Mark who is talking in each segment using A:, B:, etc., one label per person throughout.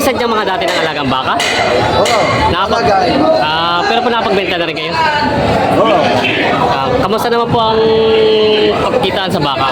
A: isa dyan mga dati ng alagang baka?
B: Oo.
A: Nakapag... pero po nakapagbenta na rin kayo?
B: Oo.
A: Kamusta naman po ang pagkitaan sa baka?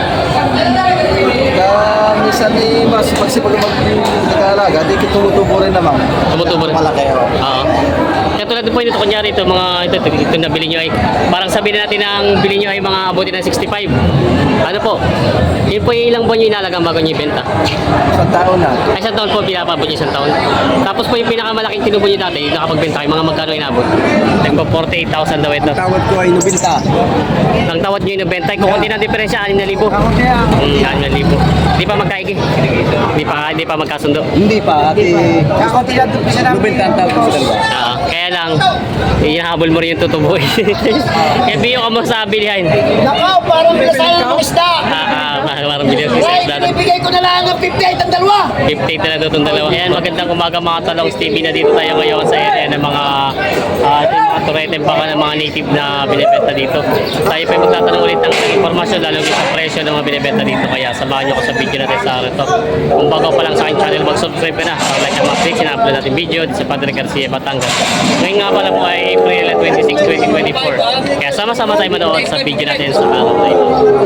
B: Minsan mas magsipag mag-alaga, di tumutubo rin naman.
A: Tumutubo rin?
B: Malaki, oo.
A: Oo. Kaya tulad po ito, kunyari ito, ito na bili nyo ay, parang sabihin natin ang bili nyo ay mga abutin ng 65. Ano po? Yun po yung ilang buwan nyo inalagang bago nyo ibenta?
B: Isang taon na.
A: Ay, isang taon po, pinapabot nyo isang taon. Tapos po yung pinakamalaking tinubo nyo dati, yung nakapagbenta kayo, mga magkano inabot? Nagpo 48,000 daw ito.
B: Tawad ko ay nubinta.
A: Ang tawad nyo inubenta, kung konti ng diferensya, 6,000. 6,000. Di pa magkaigi? Di pa magkasundo?
B: Hindi pa. Nubinta ang tawad ko sa dalawa.
A: Kaya lang, ihahabol mo rin yung tutubo. Kaya biyo ka mo sa bilihan.
C: Nakaw, parang pinasayang ng isda.
A: Parang bilihan sa
C: Right,
A: isda.
C: ibibigay ko na lang ang 58 ang dalawa.
A: 58 na na itong dalawa. Ayan, magandang umaga mga talong Stevie na dito tayo ngayon sa area ng mga turete baka ng mga native na binibenta dito. Tayo pa magtatanong ulit ng informasyon lalo sa presyo ng mga binibenta dito. Kaya samahan nyo ko sa video natin sa araw to. Kung bago pa lang sa aking channel, mag-subscribe ka na. Like ang mag-click, sina-upload natin video sa Padre Garcia, Batangas. Ngayon nga pala po ay April 26, 2024. Kaya sama-sama tayo manood sa video natin sa araw na ito.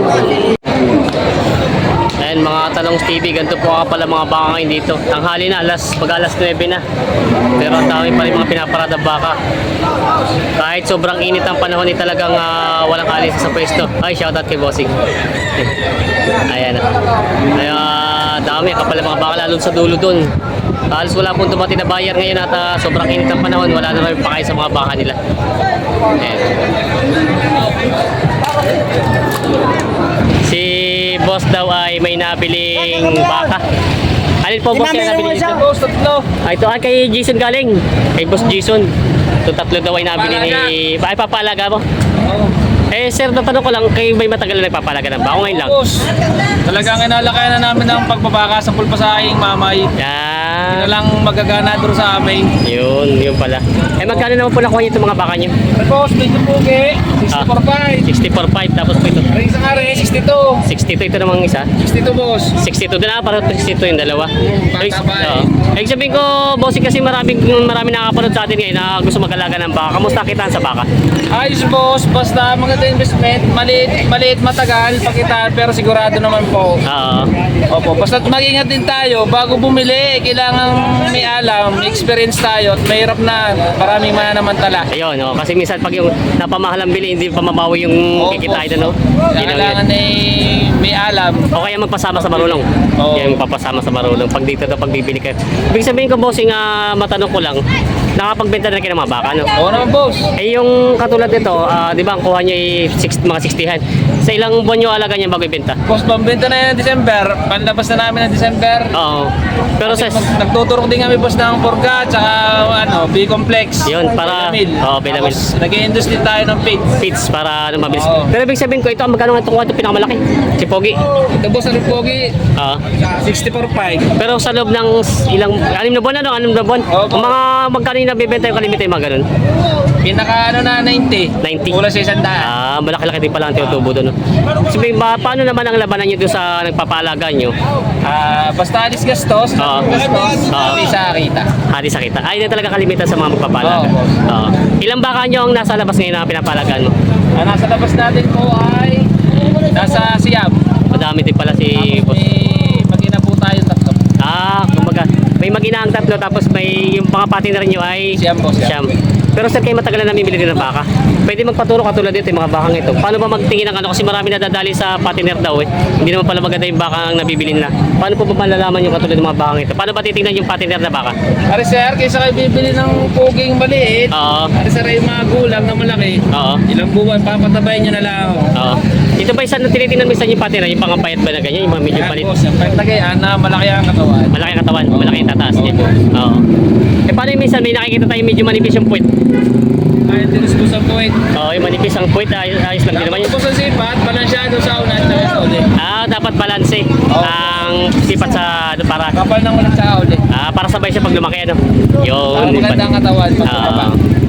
A: Ayan mga talong TV, ganito po pala mga baka ngayon dito. Tanghali na, pag alas 9 na. Pero ang dami pa rin mga pinaparada baka. Kahit sobrang init ang panahon, talagang walang alis sa pwesto. Ay, shoutout kay Bossing. Ayan na. Kaya dami, kapal mga baka lalo sa dulo dun. Halos wala pong dumating na buyer ngayon at sobrang init ang panahon, wala na rin pakain sa mga baka nila. Ayan. Si boss daw ay may nabiling baka. Alin po boss kaya nabili dito?
C: Boss, tatlo.
A: Ito ay kay Jason galing. Kay boss Jason. Ito tatlo daw ay nabili ni... Ay papalaga mo? Eh sir, natanong ko lang, kayo may matagal na nagpapalaga ng baka ngayon lang?
D: Boss, talagang inalakayan na namin ang pagbabaka sa pulpasahing mamay. Hindi na lang magagana doon sa amin.
A: Yun pala. Eh magkano naman po nakuha niyo itong mga baka niyo?
D: Boss, medyo pugi. 64.5.
A: 64.5 tapos po ito.
D: Ang isang ari, 62.
A: 62 ito namang isa.
D: 62 boss.
A: 62 din para 62 yung dalawa.
D: Pagtabay.
A: Ibig sabihin ko, bossing kasi marami nakakapanood sa atin ngayon na gusto mag-alaga ng baka. Kamusta kitaan sa baka?
D: Ayos boss, basta maganda investment. Maliit matagal, pakitaan pero sigurado naman po.
A: Oo.
D: Opo, basta mag-ingat din tayo. Bago bumili, kailangan may alam, may experience tayo at mahirap na maraming mananamantala.
A: Ayun, no? Kasi minsan pag yung napamahal ang bili, hindi pa mabawi yung kikitain, no?
D: Kailangan ay may alam.
A: O kaya magpasama sa marulong.
D: Oo.
A: Yung papasama sa marulong. Pag dito daw, pag bibili kayo. Ibig sabihin ko, bossing, matanong ko lang, nakapagbenta na kayo ng mga baka, no?
D: Oo naman boss.
A: Eh yung katulad nito, di ba ang kuha nyo ay mga 60han. Sa ilang buwan nyo alaga niya bago ibenta?
D: Boss, pambenta na yan ng December. Panlabas na namin ng December.
A: Oo. Pero sa...
D: Nagtuturok din kami boss ng Porga tsaka B-complex.
A: Yun, para... Oo, Belamil.
D: Tapos nag-i-induce din tayo ng feed.
A: Feeds para mabilis.
D: Oo.
A: Pero ibig sabihin ko, ito ang magkano nga itong pinakamalaki? Si Pogi.
D: Ito boss, ano pogi?
A: Oo.
D: 64.5.
A: Pero sa loob ng ilang... 6 na buwan, ano? 6 na buwan?
D: Opo.
A: Ang mga magkano yung nabibenta yung kalimita yung mga ganun?
D: Pinaka na 90.
A: 90.
D: Kulang sa 100.
A: Malaki-laki din pala ang tinutubo doon. No? Sabihin ba, paano naman ang labanan nyo doon sa nagpapalaga nyo?
D: Basta alis gastos.
A: Oo.
D: Gastos.
A: Oo.
D: Hindi sa kita.
A: Hati sa kita. Ay, na talaga kalimitan sa mga magpapalaga.
D: Oo.
A: Oo. Ilang baka nyo ang nasa labas ngayon na pinapalagaan mo?
D: Nasa labas natin po ay nasa Siam.
A: Madami din pala si boss.
D: May mag-ina po tayo tatlo.
A: Kumbaga, may mag-ina ang tatlo tapos may yung mga partner nyo ay
D: Siyam po,
A: Siyam.
D: siyam.
A: Pero sir, kayo matagal na namimili din ng baka. Pwede magpaturo katulad dito yung mga bakang ito. Paano ba magtingin ng ano? Kasi marami nadadali sa partner daw eh. Hindi naman pala maganda yung baka ang nabibili nila. Paano po ba malalaman yung katulad ng mga bakang ito? Paano ba titingnan yung partner na baka?
D: Ari sir, kaysa kayo bibili ng puging maliit.
A: Oo.
D: Ari sir, yung mga gulang na malaki.
A: Oo.
D: Ilang buwan, papatabayin nyo na lang.
A: Oo. Ito ba isa na tinitingnan mo isa yung partner? Yung pangapayat ba na ganyan? Yung mga medyo
D: Yan
A: palit?
D: boss, yung pagtagayaan na malaki ang katawan.
A: Malaki ang katawan, malaki ang tataas niya. Oo. Eh paano yung minsan may nakikita tayo medyo manipis yung puwet?
D: Ayun, tinusbos ang kuwait.
A: Oo, yung manipis ang puwet, ayos lang din naman yun.
D: Tapos ang sipat, balansyado sa unan at sa uli.
A: Dapat balanse ang sipat sa para
D: Kapal ng ulan sa uli.
A: para sabay siya pag lumaki ano. Yun.
D: Para maganda ang katawan pag
A: Ah,
D: tumaba.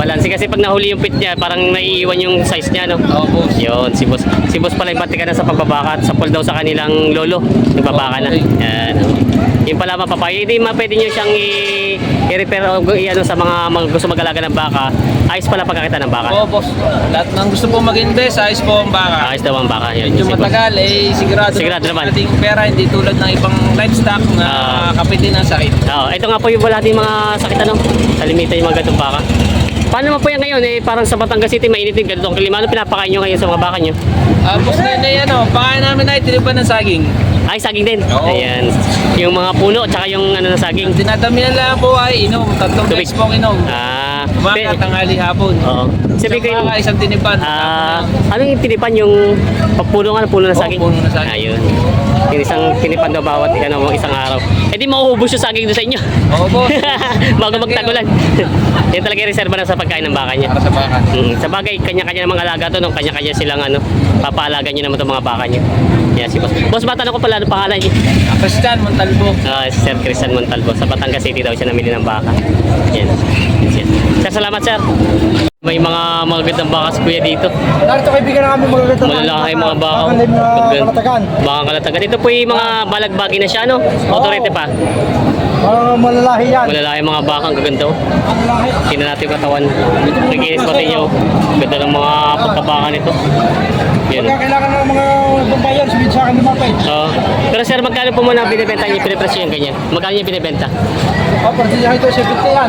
A: balanse. Kasi pag nahuli yung pit niya, parang naiiwan yung size niya, no?
D: Oo, boss.
A: Yun, si boss. Si boss pala yung pati ka na sa pagbabaka at sa daw sa kanilang lolo. Nagbabaka na.
D: Okay.
A: Yan. Yung pala mapapayo. Hindi pwede nyo siyang i-repair o i-ano sa mga gusto mag-alaga ng baka. Ayos pala pagkakita ng baka.
D: Oo, boss. Lahat ng gusto po mag-invest, ayos po ang baka.
A: Ayos daw ang baka. Yun,
D: Medyo
A: si boss.
D: matagal, sigurado
A: Sigurado naman.
D: ating pera, hindi tulad ng ibang livestock na kapitin ng sakit.
A: Oo, ito nga po yung wala din mga sakit ano. Kalimitan yung mga ganitong baka. Paano naman po yan ngayon? Parang sa Batangas City, mainit din ganitong klima. Ano pinapakain nyo ngayon sa mga baka nyo?
D: Boss na yun, pakain namin ay tinipan ng saging.
A: Ay, saging din.
D: Oo.
A: Ayan. Yung mga puno, tsaka yung ano na saging.
D: Dinadamihan lang po ay inom, 3
A: Tubig.
D: beses pong inom. Umaga, tanghali, hapon.
A: Oo. Sabi ko
D: Isang baka, isang tinipan.
A: ano yung tinipan yung puno nga, puno na
D: Oo,
A: saging?
D: puno na saging.
A: Ayun. Yung isang tinipan daw bawat isang araw. Eh di mauubos yung saging doon sa inyo.
D: Oo, boss.
A: Bago magtagulan. Yan talaga yung reserva na sa pagkain ng baka niya.
D: Para sa baka.
A: Sa bagay, kanya-kanya ng mga alaga to, no? Kanya-kanya silang papaalaga niyo naman itong mga baka niyo. Yan si boss. Boss, matanong ko pala, ano pangalan niyo?
D: Christian Montalbo.
A: Si Sir Cristian Montalvo. Sa Batangas City daw siya namili ng baka. Yan. Yes. Sir, salamat sir. May mga magagandang baka si kuya dito.
B: Narito kaibigan na kami magagandang
A: Malalaki mga baka.
B: kalatagan.
A: Baka kalatagan. Ito po yung mga balagbagi na siya, no? Autorite pa.
B: Malalahi yan.
A: Malalaki mga baka. Ang gaganda. Tingnan natin yung katawan. Naginis pati nyo. Ganda ng mga pagkabaka nito. Yan.
B: Kailangan ng mga babayan, sabihin sa akin lumapit.
A: Pero sir, magkano po muna binibenta niyo? Pinipresyo yung ganyan. Magkano niyo binibenta?
B: Partidahan ito, 70 yan,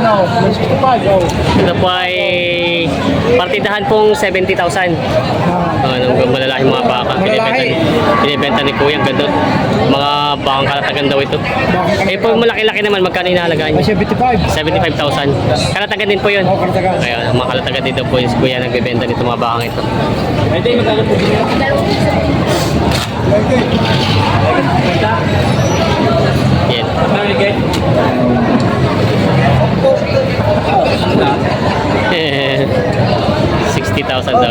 B: 65,
A: Ito po ay partidahan pong 70,000. Malalaki mga baka. Binibenta ni Kuya. Ganda. Mga bakang kalatagan daw ito. Eh po malaki-laki naman. Magkano inahalagaan niyo?
B: 75.
A: 75,000. Kalatagan din po yun.
B: Oo, kalatagan.
A: Kaya mga kalatagan dito po yung si Kuya nagbibenta nito mga bakang ito. Yan. 60,000 daw.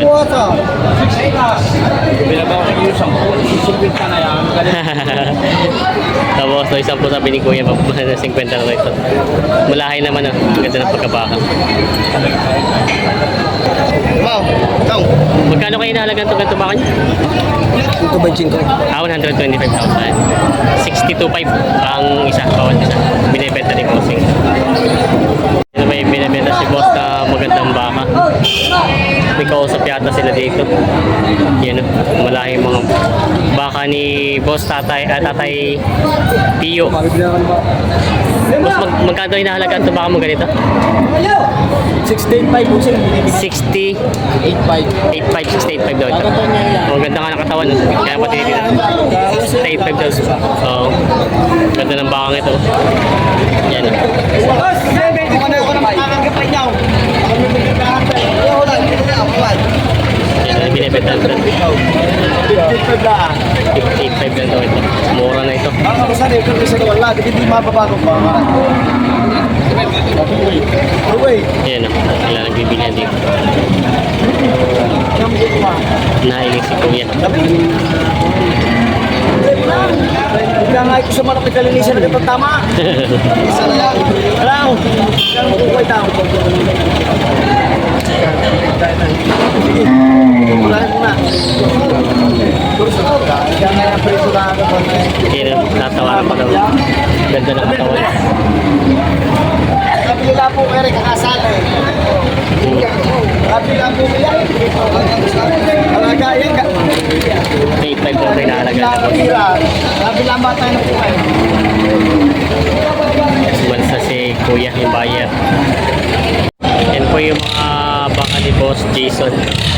A: Tapos no, isang po sabi ni Kuya, 50 na ito. Malahay naman ang ganda ng pagkabaka.
B: Wow, ikaw.
A: Magkano kayo inahalagan itong ganito baka niyo?
B: Ito ba yung
A: 125,000. 62.5 ang isa, bawat isa. Binibenta ni Bossing. Ito may binibenta si Boss na magandang baka. May kausap yata sila dito. Yan, malaking mga baka ni Boss Tatay Pio. Boss, magkano inahalagaan ito baka mo ganito?
B: 65 po sila.
A: 60,
B: 85.
A: 85, 68.5 daw ito. Oh, ganda nga ng katawan. Kaya pati dito. 68.5 daw. Oo. Ganda ng bakang ito. Yan. Yan, binibenta ito. 58.5 lang daw ito. Mura na ito.
B: Ang kapasan ito sa wala, hindi mababago pa.
A: Yan o. Wala nagbibilihan dito. Nailig si Kuya.
B: Bigla nga ito sa malaki kalinisan na ito tama. Isa na lang. Alam, kailangan mo kukuha ito. Sige, kumulahin mo na. Kaya nga yung preso na ako.
A: Yan o. Tatawaran pa daw. Ganda ng katawan.
B: Kabila po kaya kakasal eh. Kabila po kaya. Alagayin ka.
A: 8.5 daw ito inahalagaan.
B: Kabila ba tayo na po kayo?
A: Sumansa si Kuya, yung buyer. Yan po yung mga baka ni Boss Jason.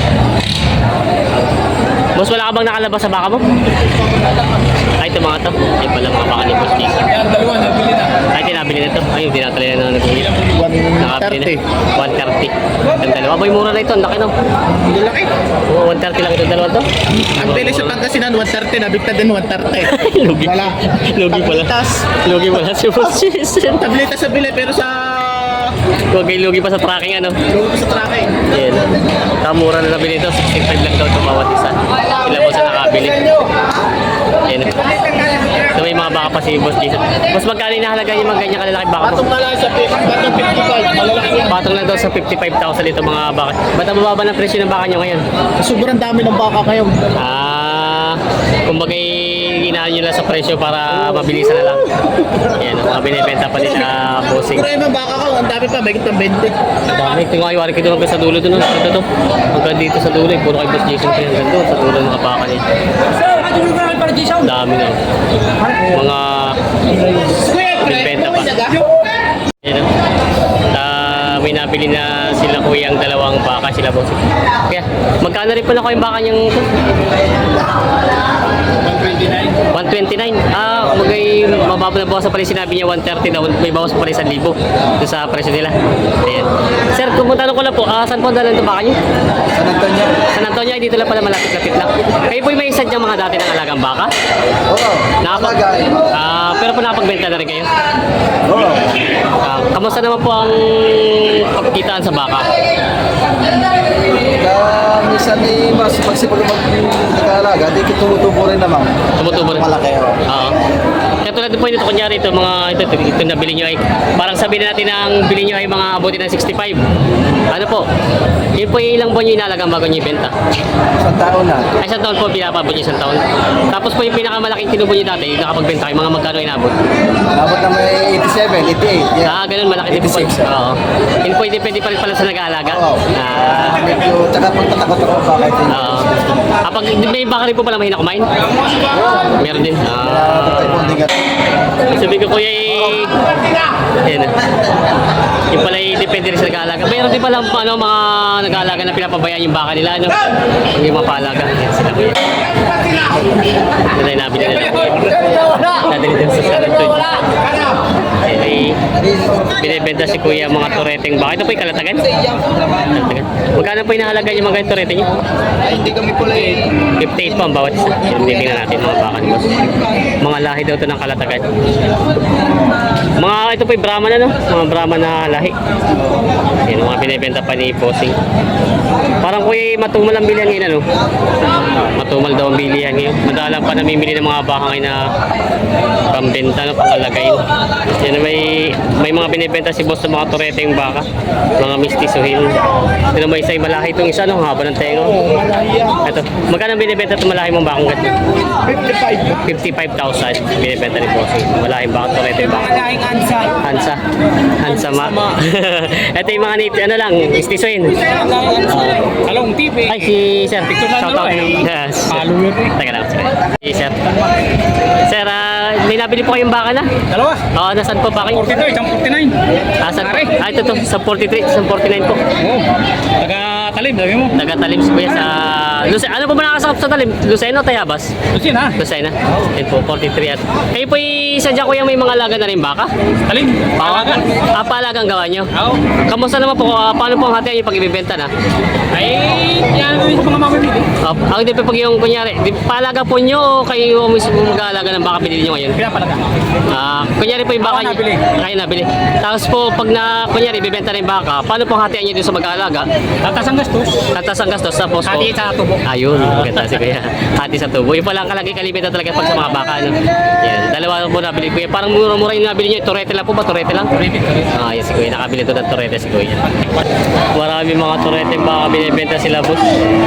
A: Boss, wala ka bang nakalabas sa baka mo? Ay, ito mga to. Ay pala mga baka ni Boss Jason.
D: Dalawa, nabili na.
A: Ay, tinabili na ito. Ay, yung tinatali na nag-uwi. Nakabili na. 130. Ang dalawa. Boy, mura na ito. Ang laki no.
B: Hindi laki.
A: Oo, 130 lang itong dalawa to.
B: Ang tele sa Pangasinan, 130. Nabigta din 130.
A: Lugi.
B: Wala.
A: Lugi pala.
B: Tablitas.
A: Lugi pala si Boss Jason.
B: Tableta sa bili pero sa
A: Lugi pa sa tracking ano.
B: Lugi sa tracking.
A: Yan. Kamura na nabili ito. 65 lang daw ito bawat isa. Sila boss na nakabili. Yan. So may mga baka pa si Boss Jason. Boss, magkano inahalaga yung mga ganyan kalalaki baka mo?
B: Patong na lang sa 55. Malalaki yan.
A: Patong lang daw sa 55,000 ito mga baka. Ba't ang bababa ng presyo ng baka nyo ngayon?
B: Sobrang dami ng baka ngayon.
A: Kumbaga inaano nyo lang sa presyo para mabilisan na lang. Yan, mga binibenta pa din na bossing.
B: Siguro yung baka ko, ang dami pa, may kitang 20.
A: Ang dami. Ito nga, iwari ko doon hanggang sa dulo doon. Ito to. Hanggang dito sa dulo. Puro kay Boss Jason pa yan. Hanggang doon sa dulo ng kapaka niya. Ang dami na. Mga binibenta pa. Yan. May nabili na sila kuya ang dalawang baka sila boss. Kaya, magkano rin pala ko yung baka niyang 129. Magay mababa na bawas pala yung sinabi niya 130 daw. May bawas pa pala 1,000 doon sa presyo nila. Ayan. Sir, kung tanong ko lang po, saan po dalan ito baka niyo?
B: San Antonio.
A: San Antonio, ay dito lang pala malapit-lapit lang. Kayo po may isadyang mga dati ng alagang baka?
B: Oo.
A: Pero po nakapagbenta na rin kayo?
B: Oo.
A: Kamusta naman po ang pagkitaan sa baka?
B: Minsan ni mas pagsipag mag-alaga, di tumutubo rin naman.
A: Tumutubo rin?
B: Malaki, oo.
A: Oo. Kaya tulad po ito, kunyari ito, ito na bili nyo ay, parang sabihin natin na ang bili nyo ay mga abutin ng 65. Ano po? Yun po yung ilang buwan nyo inalagang bago nyo ibenta.
B: Isang taon na.
A: Ay, isang taon po, pinapabot nyo isang taon. Tapos po yung pinakamalaking tinubo nyo dati, yung nakapagbenta kayo, mga magkano inabot?
B: Abot na may 87, 88. Yeah.
A: Ganun, malaki din po.
B: 86,
A: Oo. Yun po, depende pa rin pala sa nag-aalaga.
B: Oo. Medyo, tsaka pagtatakot ako bakit.
A: Oo. Kapag may baka rin po pala mahina kumain? Meron din. Sabi ko kuya yan. Yung pala depende rin sa nag-aalaga. Mayroon din pala mga nag-aalaga na pinapabayaan yung baka nila. Pag yung mapalaga. Yan sila kuya. Ito na yung nabili nila. Nadali din sa San Antonio. Binibenta si kuya mga tureteng baka. Ito po yung kalatagan? Kalatagan. Magkano po inahalaga yung mga turete niyo?
B: Ay, hindi kami pula
A: 58 po ang bawat isa. Tingnan natin mga baka ni boss. Mga lahi daw ito ng kalatagan. Ito po yung Brahman ano? Mga Brahman na lahi. Yan, mga binibenta pa ni Bossing. Parang kuya matumal ang bilihan ngayon ano? Matumal daw ang bilihan ngayon. Madalang pa namimili ng mga baka ngayon na pambenta no, pangalagay. Yan, may mga binibenta si boss sa mga turete yung baka. Mga mistisuhin. Ito may isa yung malahi itong isa no? Haba ng tenga. Ito. Magkano binibenta itong malahi mong bakang ganito? 55,000 binibenta ni Bossing. Malahing baka turete yung baka. Hansa ma. Ito yung mga native, ano lang, istisuin.
D: Kalong TV.
A: Ay, si Sir. Shout out. Yes. Teka lang. Si Sir. Sir, may nabili po kayong baka na?
D: Dalawa.
A: Oo, nasaan po baka?
D: 42, isang 49.
A: Saan po? Ito to, sa 43, sa 49 po.
D: Oo. Taga-talim, sabi mo.
A: Taga-talim si Kuya sa... Ano po ba nakasakap sa talim? Luceno o Tayabas?
D: Lusin ha.
A: Lucena. Yan po, 43 at... Kayo po sadya kuya may mga alaga na rin baka?
D: Talim.
A: Paalaga? Paalagang gawa nyo?
D: Oo.
A: Kamusta naman po? Paano po ang hatian yung pag-ibibenta na?
D: Ay, yan yung mga mamimili.
A: Ang di pa pag yung kunyari, paalaga po nyo o kayo mismo mag-aalaga ng baka pinili nyo ngayon?
D: Pinapalaga.
A: Kunyari po yung baka
D: Ako nabili.
A: Kayo nabili. Tapos po pag kunyari bibenta na yung baka, paano po ang hatian nyo dun sa mag-aalaga?
D: Tatas ang gastos.
A: Tatas ang gastos tapos po.
D: Hati sa tubo.
A: Ayun, maganda si kuya. Hati sa tubo. Yung pala ang kalimitan talaga pag sa mga baka. Ano? Yan, dalawa po nabili kuya. Parang mura-mura yung nabili nyo. Turete lang po ba? Turete lang? Turete. Yan si kuya. Nakabili to ng turete si kuya. Marami mga turete baka binibenta sila boss.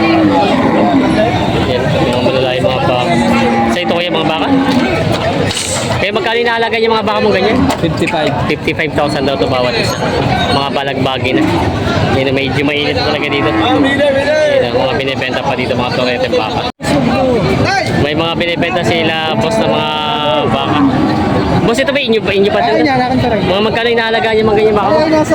A: Yan, yung malalaki mga baka. Sa ito kuya mga baka? Kaya magkano inaalaga yung mga baka mong ganyan? 55,000 daw to bawat isa. Mga balagbagi na. Yan, medyo mainit talaga dito. Yan, mga binibenta pa dito mga turete baka. May mga binibenta sila boss na mga baka. Boss, ito ba inyo pa? Inyo pa ito? Mga magkano inaalaga niyo mga ganyan baka mo?
B: Ay, nasa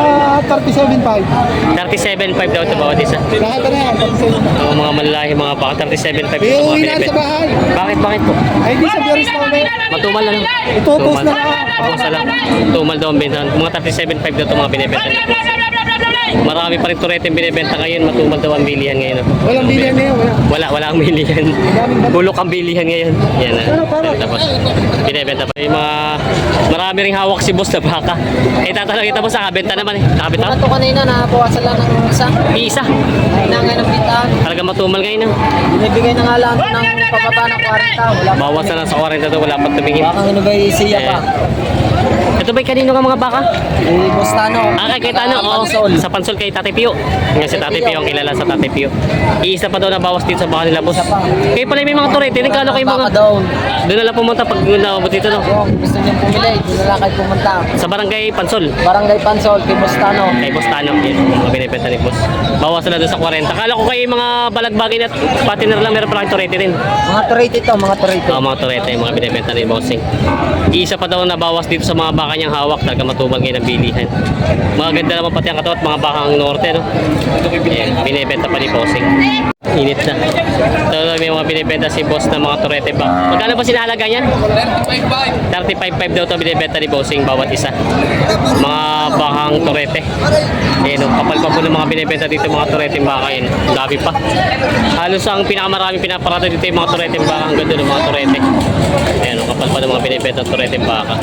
B: 37.5.
A: 37.5 daw ito bawat isa.
B: Lahat na yan, 37.5.
A: Mga malalahi mga baka, 37.5 ito mga
B: Iuwi na
A: binibenta.
B: sa bahay.
A: Bakit po?
B: Ay, di sa Biyores na ulit.
A: Matumal na lang.
B: Ito, post na lang.
A: Post na lang. Tumal daw ang benta. Mga 37.5 daw ito mga binibenta. Marami pa rin turete yung binibenta ngayon. Matumal daw ang bilihan ngayon.
B: Walang bilihan ngayon, wala.
A: Wala ang bilihan. Bulok ang bilihan ngayon. Yan tapos binibenta pa. Yung mga marami ring hawak si boss na baka. Tatanong kita mo sa kabenta naman Nakabenta
C: Ito kanina, nakabawasan lang ng isa.
A: Isa.
C: Hinangay ng bintahan.
A: Talaga matumal ngayon.
C: Binibigay na nga lang ng pababa ng 40. Wala pa.
A: Bawas na lang sa 40 to. Wala pa tumingin.
C: Bakang ano ba siya pa?
A: Ito ba'y kanino ka mga baka?
C: Bustano.
A: Kay Tano. Oo. Sa Pansol kay Tatay Pio. Nga si Tatay Pio ang kilala sa Tatay Pio. Iisa pa daw na bawas dito sa baka nila, boss. Kayo pala may mga turete. Nagkano kayo mga...
C: Down.
A: Doon na lang pumunta pag naabot dito, no?
C: Gusto niyang pumili. Doon na lang kayo pumunta.
A: Sa barangay Pansol.
C: Barangay Pansol, kay Bustano.
A: Kay Boss Tano. Yan. Mga binibenta ni Boss. Bawas na doon sa 40. Kala ko kayo mga balagbagin at patiner lang. Meron pala kayong turete rin.
C: Mga turete ito, mga turete.
A: Mga turete. Mga binibenta ni Bossing. Iisa pa daw na bawas dito sa mga baka niyang hawak. Talaga matubal ngayon ang bilihan. Mga ganda naman pati ang katawan at mga bakang norte, no? Yan. Binibenta pa ni Bossing. Init na. So, may mga binibenta si boss na mga turete ba? Magkano ba sinahalaga yan? 35.5 daw ito binibenta ni Bossing bawat isa. Mga bakang turete. Ayan o, kapal pa po ng mga binibenta dito mga turete baka yun. Gabi pa. Halos ang pinakamaraming pinaparada dito yung mga turete baka. Ang ganda ng mga turete. Ayan o, kapal pa ng mga binibenta turete baka.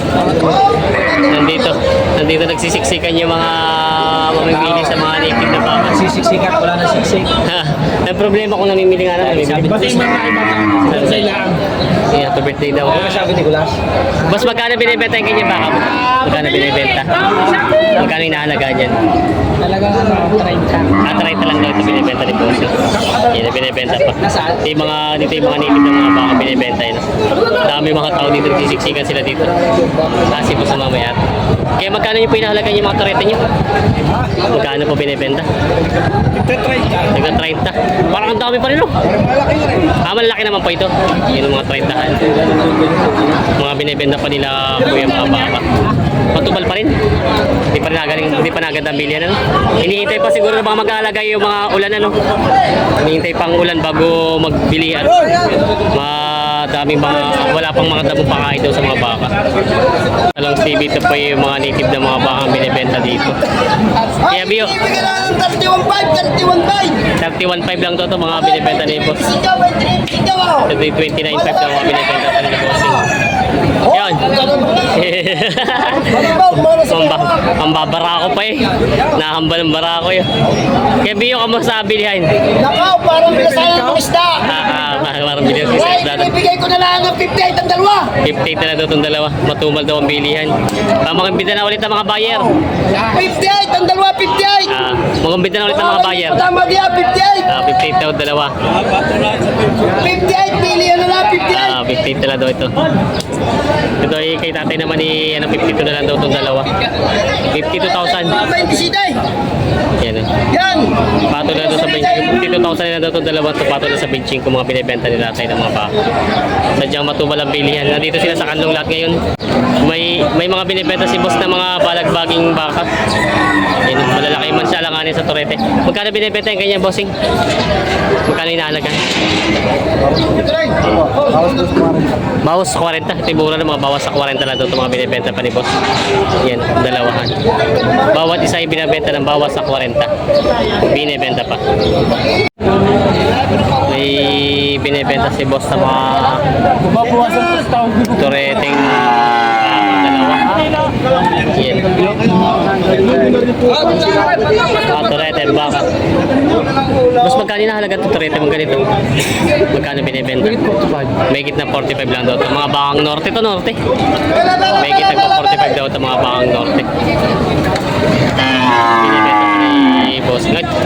A: Nandito nagsisiksikan yung mga mamimili sa mga native na baka.
B: Sisiksikat, wala na siksik.
A: Ang problema kung namimili nga naman.
B: Pati yung mga iba na sa ilaan.
A: Yeah, happy birthday daw.
B: Ano sabi ni Gulas?
A: Boss, magkano binibenta yung kanya baka mo? Magkano binibenta? Magkano yung nahalaga dyan?
C: Talagang ano, 30.
A: 30 lang daw ito binibenta ni Boss. Yan, binibenta pa. Dito yung mga native ng mga baka binibenta yun. Dami mga tao dito, nagsisiksikan sila dito. Kasi po sa mamaya. Kaya magkano yung pinahalaga yung mga turete nyo? Magkano po binibenta? Nagka 30. Parang ang dami pa rin, no? Malaki naman po ito. Yun ang mga 30. Mga binibenta pa nila kuya mga baka. Matubal pa rin. Hindi pa naganda ang bilihan, ano? Hinihintay pa siguro na baka mag-aalagay yung mga ulan, ano? Hinihintay pang ulan bago magbilihan. Madaming mga, wala pang mga dabong pakain daw sa mga baka. Talang TV, ito pa yung mga native na mga baka binibenta dito. Kaya Bio, 31.5 lang to mga binibenta ni Boss. Ito yung 29.5 daw mga binibenta sa ni Bossing. Yan. Pambabara ko pa eh. Nahambal ang bara ko yun. Kaya Bio, kamusta bilihan?
C: Nakaw, parang pinasayan ng isda.
A: Parang bilihan sa
C: Right,
A: isda.
C: ibigay ko na lang ng 58 ang dalawa.
A: 58 na daw itong dalawa. Matumal daw ang bilihan. Magumbida na ulit ang mga buyer.
C: 58 ang dalawa, 58.
A: Magumbida na ulit ang mga buyer.
C: Tama diya, 58.
A: 58 daw dalawa.
C: 58, million na lang, 58.
A: 58 na lang daw ito. Ito ay kay tatay naman ni 52 na lang daw itong dalawa. 52,000.
C: 27.
A: Yan o.
C: Yan.
A: Pato na daw sa benching. 52,000 na daw itong dalawa. Ito pato na sa benching kung mga binibenta ni tatay ng mga baka. Sadyang matubal ang bilihan. Nandito sila sa kanlong lahat ngayon. May mga binibenta si boss na mga balagbaging baka. Yan, malalaki man siya alanganin sa turete. Magkano binibenta yung kanya, bossing? Magkano inahalagan? Bawas sa 40. Tibura na mga bawas sa 40 lang daw itong mga binibenta pa ni boss. Yan, dalawahan. Bawat isa ay binibenta ng bawas sa 40. Binibenta pa. May binibenta si boss sa mga tureteng dalawa. Yan. Turete, baka. Mas magkano na halaga ito turete mong ganito? Magkano binibenta? May gitna 45 lang daw ito. Mga bakang norte to norte. May gitna 45 daw ito mga bakang norte. Binibenta ni boss.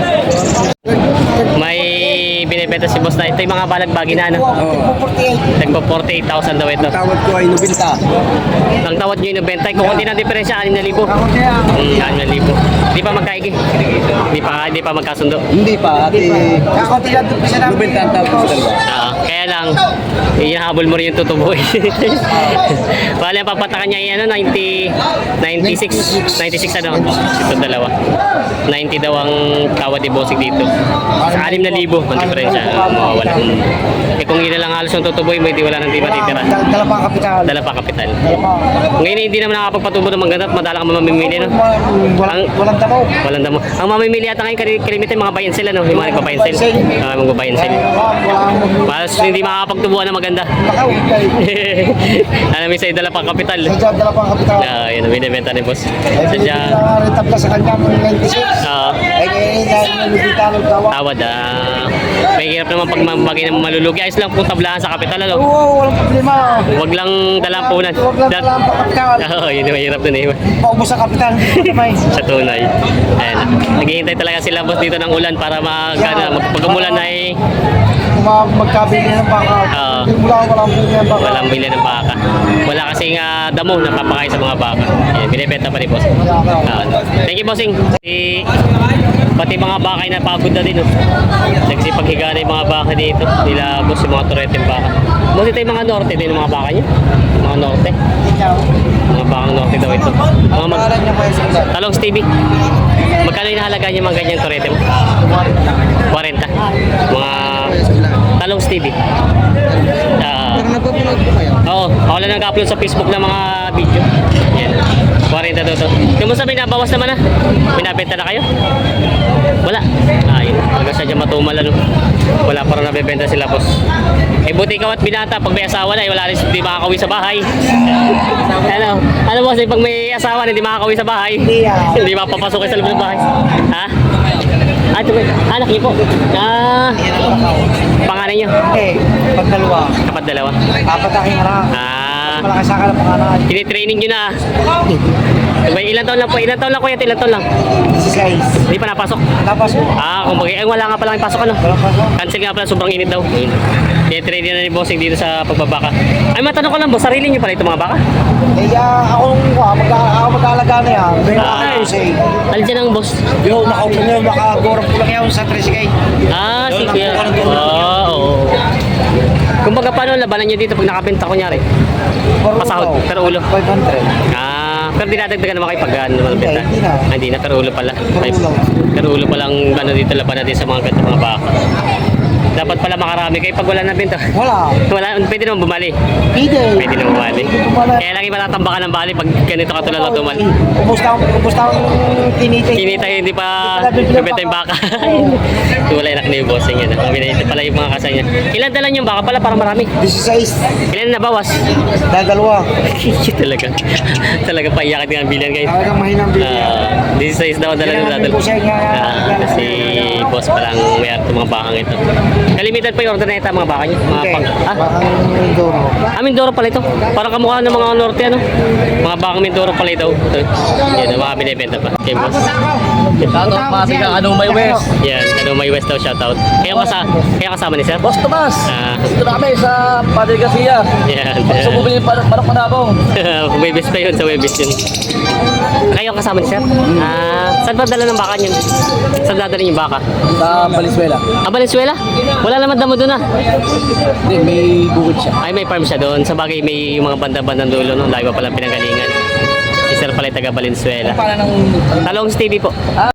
A: May binibenta si boss na ito yung mga balagbagi na ano. Nagpo 48,000 daw ito.
B: Tawad ko ay nubinta.
A: Ang tawad nyo yung 90. Kung konti na diferensya, 6,000. 6,000. Di pa magkaigi. Di pa magkasundo.
B: Hindi pa, ati. Kakunti lang ito siya namin. Nubinta ang tawad ko sa dalawa.
A: Kaya lang, ihahabol mo rin yung tutubo. Bale, ang papatakan niya yung ano, 96 ano, ito dalawa. 90 daw ang tawad ni bossing dito. Sa 6,000 ang diferensya. mawawala. Eh kung yun na lang halos yung tutuboy mo, hindi wala nang di matitira.
B: Dala pa ang kapital.
A: Dala pa kapital.
B: Dala pa.
A: Ngayon hindi naman nakapagpatubo ng maganda at madala ka mamimili, no?
B: Walang tamaw.
A: Walang damo. Ang mamimili ata ngayon kalimitin mga buy and sell, ano? Yung mga nagpa-buy and sell. Mag-buy and sell. Para hindi makakapagtubuan ng maganda.
B: Bakaw.
A: Alam mo sa'yo, dala pa kapital.
B: Sadya dala pa ang kapital.
A: Yun ang binibenta ni boss.
B: Eh,
A: Sadya,
B: tabla sa kanya ng 96. Eh, dahil nalibita ng tawa.
A: tawad, may hirap naman pag malulugi. Ayos lang kung tablahan sa kapital, ano?
B: Oo, walang problema.
A: Wag lang dalang punan.
B: Huwag lang dala ang kapital.
A: Oo, yun yung mahirap dun eh.
B: Paubos ang kapital. May.
A: Sa tunay. Ayan. Naghihintay talaga sila boss dito ng ulan para pag umulan ay
B: Magkabili ng baka. Walang bili ng baka.
A: walang bili ng baka. Wala kasing damo na papakain sa mga baka. Yan, binibenta pa ni boss. Thank you, bossing. Pati mga baka ay napagod na din. Nagsipaghiga na yung mga baka dito. Nila boss yung mga tureteng baka. Boss, ito yung mga norte din yung mga baka niya. Mga norte. Mga bakang norte daw ito. Mga
B: Pangalan niya po yung sila.
A: Talong Stevie. Magkano yung nahalaga niyo mga ganyang turete mo? 40. Mga Talong Stevie.
B: Pero nagpapanood po kayo?
A: Oo, ako lang nag-upload sa Facebook ng mga video. Yan. 40 daw to. Kumusta binabawas naman na? Binabenta na kayo? Wala. Ayun. Talaga siya dyan matumal ano. Wala pa rin nabibenta sila boss. Eh buti ikaw at binata. Pag may asawa na, wala rin hindi makakauwi sa bahay. Ano boss, pag may asawa na, hindi makakauwi sa bahay. Hindi mapapasukin sa loob ng bahay. Ha? Ito ba? Anak niyo po. Pangalan niyo?
B: Okay, pagdalawa.
A: Kapat dalawa.
B: Apat aking anak. Malaki sa akin ang pangalan.
A: Tinitraining nyo na. May ilan taon lang po? Ilan taon lang kuya? Ilan taon lang?
B: 16.
A: Hindi pa napasok.
B: Tapos,
A: Kumbaga, wala nga pala yung pasok ano.
B: walang pasok.
A: Cancel nga pala, sobrang init daw. Tinitraining na ni bossing dito sa pagbabaka. Ay, matanong ko lang boss, sarili nyo pala itong mga baka?
B: Ako mag-aalaga na yan. May mga say.
A: Alin dyan ang boss?
B: Yo, nakaupo niyo, makagorap ko lang yan sa 3K.
A: Si kuya. Oo. Kumbaga, paano labanan nyo dito pag nakabenta kunyari? Pasahod, pero ulo.
B: 500.
A: Pero dinadagdagan naman kayo pag naman benta.
B: Hindi na.
A: Hindi na, pero ulo pala.
B: Pero ulo.
A: Pero ulo palang dito laban natin sa mga ganda mga baka. Dapat pala makarami kayo pag wala na benta.
B: Wala.
A: Wala, pwede naman bumali.
B: Pwede.
A: Pwede naman bumali.
B: Bumali.
A: Kaya lang iba tatambakan ng bali pag ganito katulad ng tumal.
B: Kumusta ang tinitin?
A: Kinita hindi pa nabenta yung baka. Wala yung na yung bossing yan. Ang binayit pala yung mga kasanya. Ilan dala yung baka pala? Parang marami.
B: 16.
A: Ilan na bawas?
B: Dahil dalawa.
A: Talaga. Talaga paiyakin nga ang bilan guys.
B: Talagang mahinang bilhin.
A: 16 daw dala ng dadal. Si boss palang may art mga bakang ito. Kalimitan pa yung order na ito mga baka niya. Mga pang...
B: Mindoro.
A: Mindoro pala ito. Parang kamukha ng mga norte ano. Mga bakang Mindoro pala ito. Yan, ang mga binibenta pa. Okay, boss.
C: Shoutout Pasig ng Anumay West.
A: Yan, may West daw shoutout. Kaya kasama ni sir?
C: Boss Tomas, dito na kami sa Padre Garcia.
A: Yan.
C: Gusto bumili ng manok manabong.
A: Webis pa yun, sa Webis yun. Kayo ang kasama ni sir? Saan ba dala ng baka niyo? Saan dadalhin yung baka?
C: Sa Valenzuela.
A: Valenzuela? Wala naman damo doon
C: Hindi, may bukid siya.
A: Ay, may farm siya doon. Sa bagay, may mga banda-bandang dulo, no? Lagi pa palang pinanggalingan. Si Sir pala taga Valenzuela.
C: Para ng...
A: Talong Stevie po.